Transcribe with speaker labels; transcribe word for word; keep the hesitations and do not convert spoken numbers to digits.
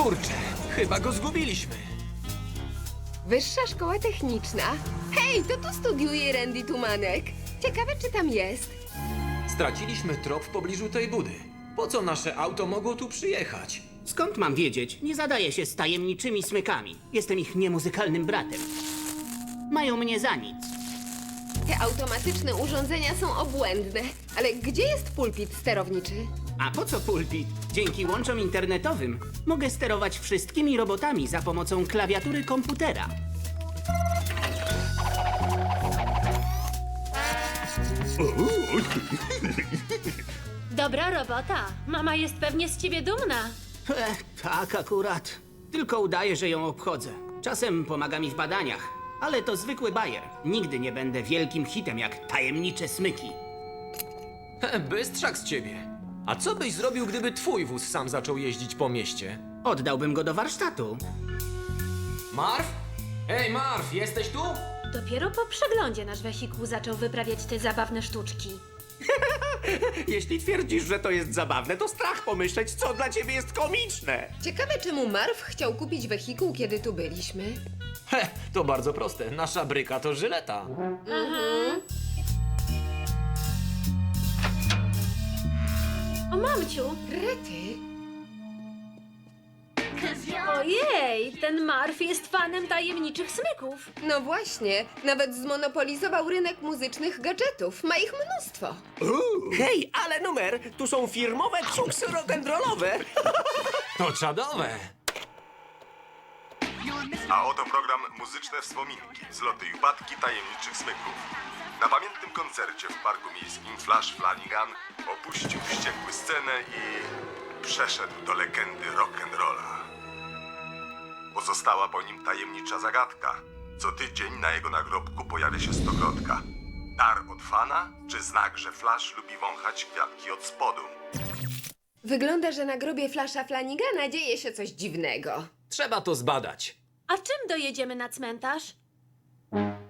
Speaker 1: Kurczę, chyba go zgubiliśmy.
Speaker 2: Wyższa Szkoła Techniczna. Hej, to tu studiuje Randy Tumanek. Ciekawe, czy tam jest.
Speaker 1: Straciliśmy trop w pobliżu tej budy. Po co nasze auto mogło tu przyjechać?
Speaker 3: Skąd mam wiedzieć? Nie zadaję się z tajemniczymi smykami. Jestem ich niemuzykalnym bratem. Mają mnie za nic.
Speaker 2: Te automatyczne urządzenia są obłędne. Ale gdzie jest pulpit sterowniczy?
Speaker 3: A po co pulpit? Dzięki łączom internetowym mogę sterować wszystkimi robotami za pomocą klawiatury komputera.
Speaker 4: Dobra robota. Mama jest pewnie z ciebie dumna.
Speaker 3: Ech, tak akurat. Tylko udaję, że ją obchodzę. Czasem pomaga mi w badaniach, ale to zwykły bajer. Nigdy nie będę wielkim hitem jak tajemnicze smyki.
Speaker 1: He, bystrzak z ciebie. A co byś zrobił, gdyby twój wóz sam zaczął jeździć po mieście?
Speaker 3: Oddałbym go do warsztatu.
Speaker 1: Marv? Hej, Marv, jesteś tu?
Speaker 4: Dopiero po przeglądzie nasz wehikuł zaczął wyprawiać te zabawne sztuczki.
Speaker 5: Jeśli twierdzisz, że to jest zabawne, to strach pomyśleć, co dla ciebie jest komiczne.
Speaker 2: Ciekawe, czemu Marv chciał kupić wehikuł, kiedy tu byliśmy.
Speaker 1: He, to bardzo proste. Nasza bryka to żyleta.
Speaker 4: O mamciu!
Speaker 2: Rety.
Speaker 4: Ojej, ten Marv jest fanem tajemniczych smyków.
Speaker 2: No właśnie, nawet zmonopolizował rynek muzycznych gadżetów. Ma ich mnóstwo.
Speaker 5: Hej, ale numer! Tu są firmowe ksuksy rock'n'rollowe.
Speaker 1: To czadowe.
Speaker 6: A oto program Muzyczne Wspominki, wzloty i upadki tajemniczych smyków. Na pamiętnym koncercie w parku miejskim Flash Flanagan opuścił wściekły scenę i przeszedł do legendy rock'n'rolla. Pozostała po nim tajemnicza zagadka. Co tydzień na jego nagrobku pojawia się stokrotka. Dar od fana, czy znak, że Flash lubi wąchać kwiatki od spodu?
Speaker 2: Wygląda, że na grobie Flasha Flanigana dzieje się coś dziwnego.
Speaker 1: Trzeba to zbadać.
Speaker 4: A czym dojedziemy na cmentarz?